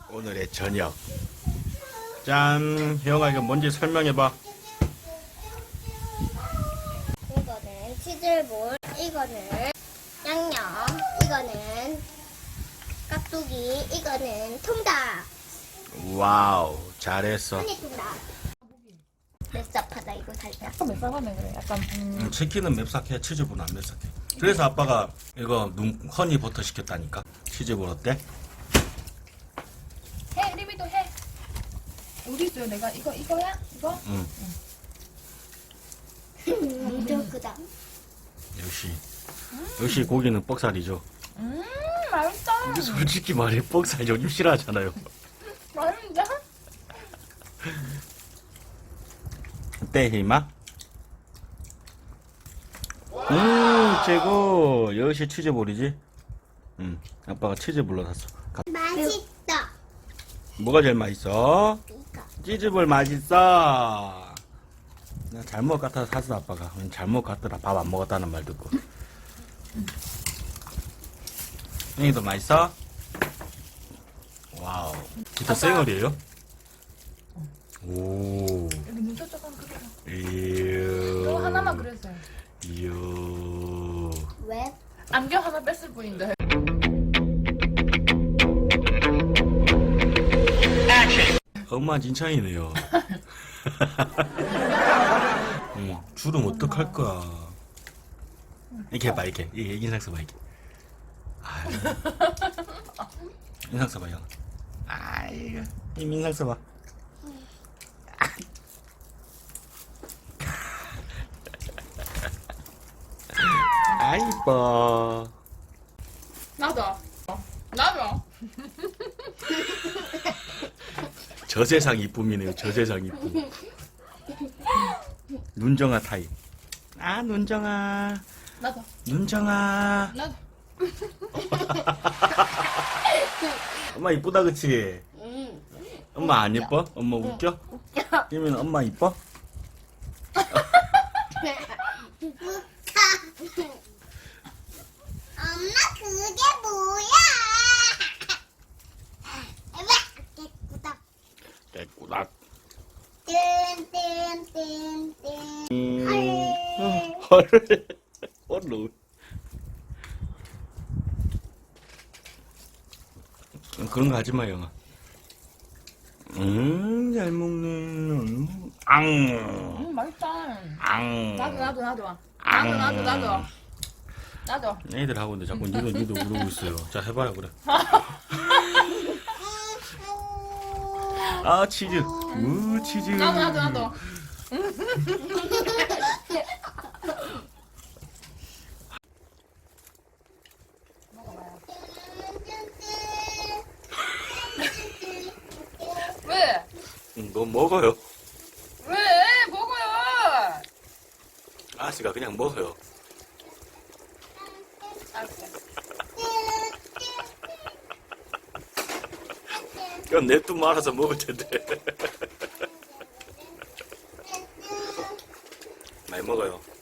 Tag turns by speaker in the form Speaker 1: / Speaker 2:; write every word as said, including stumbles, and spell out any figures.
Speaker 1: 오늘의 저녁. 짠. 혜영아 이거 뭔지 설명해봐.
Speaker 2: 이거는 치즈볼, 이거는 양념, 이거는 깍두기, 이거는 통닭.
Speaker 1: 와우 잘했어.
Speaker 2: 한입 통닭. 맵잡하다 이거 살짝.
Speaker 3: 약간 맵싸가네 그래. 약간 음.
Speaker 1: 음, 치킨은 맵삭해, 치즈볼은 안 맵삭해. 그래서 아빠가 이거 눈, 허니 버터 시켰다니까. 치즈볼 어때?
Speaker 3: 해 리비도 해. 어디 있어요? 내가 이거 이거야? 이거?
Speaker 1: 응.
Speaker 2: 엄청 크다.
Speaker 1: 역시 역시 고기는 뻑살이죠.
Speaker 3: 음 맛있다.
Speaker 1: 근데 솔직히 말해 뻑살 요즘 싫어하잖아요.
Speaker 3: 맛있는데?
Speaker 1: 어때 희마? 음 최고. 역시 치즈볼이지. 음 아빠가 치즈볼로 샀어. 가-
Speaker 2: 맛있다.
Speaker 1: 뭐가 제일 맛있어?
Speaker 2: 이거.
Speaker 1: 치즈볼 맛있어. 나 잘못 갖다 샀어 아빠가. 잘못 갔더라. 밥 안 먹었다는 말 듣고. 형이도 맛있어? 와우. 기타 생얼이에요? 오.
Speaker 3: 여기 눈썹 조금 그려.
Speaker 1: 이유.
Speaker 3: 이거 하나만 그렸어요.
Speaker 1: 이유.
Speaker 2: 왜?
Speaker 3: 안경 하나 뺐을 뿐인데.
Speaker 1: 엄마 진창이네요. 응, 주름 어떡할 거야. 이렇게 해봐, 이렇게. 이 인상 써봐, 이렇게. 아유. 인상 써봐, 형. 아이고. 이 인상 써봐. 아, 이뻐.
Speaker 3: 나도. 나도.
Speaker 1: 저 세상 이쁨이네요, 저 세상 이쁨. 눈정아 타입. 아, 눈정아.
Speaker 3: 나도.
Speaker 1: 눈정아.
Speaker 3: 나도.
Speaker 1: 엄마 이쁘다, 그치?
Speaker 2: 응.
Speaker 1: 엄마 안 예뻐? 엄마 웃겨? 희민은 엄마 이뻐?
Speaker 2: 엄마 그게 뭐야? 깨꾸다.
Speaker 1: 깨꾸닥.
Speaker 2: 뚠뚠뚠뚠.
Speaker 1: 헐. 헐로. 그런 거 하지 마, 영아. 음, 잘 먹네. 음, 앙.
Speaker 3: 음 맛있다.
Speaker 1: 앙.
Speaker 3: 나도 나도 나도.
Speaker 1: 앙.
Speaker 3: 나도 나도 나도. 나도.
Speaker 1: 애들 하고 있는데 자꾸 니도 니도 그러고 있어요. 자, 해봐요, 그래. 아, 치즈. 우, 치즈.
Speaker 3: 나도 나도 나도. 왜?
Speaker 1: 응, 너 먹어요.
Speaker 3: 왜? 먹어요.
Speaker 1: 아씨가 그냥 먹어요.
Speaker 3: 알았어.
Speaker 1: 그럼 냅두 말아서 먹을 텐데. 많이 먹어요.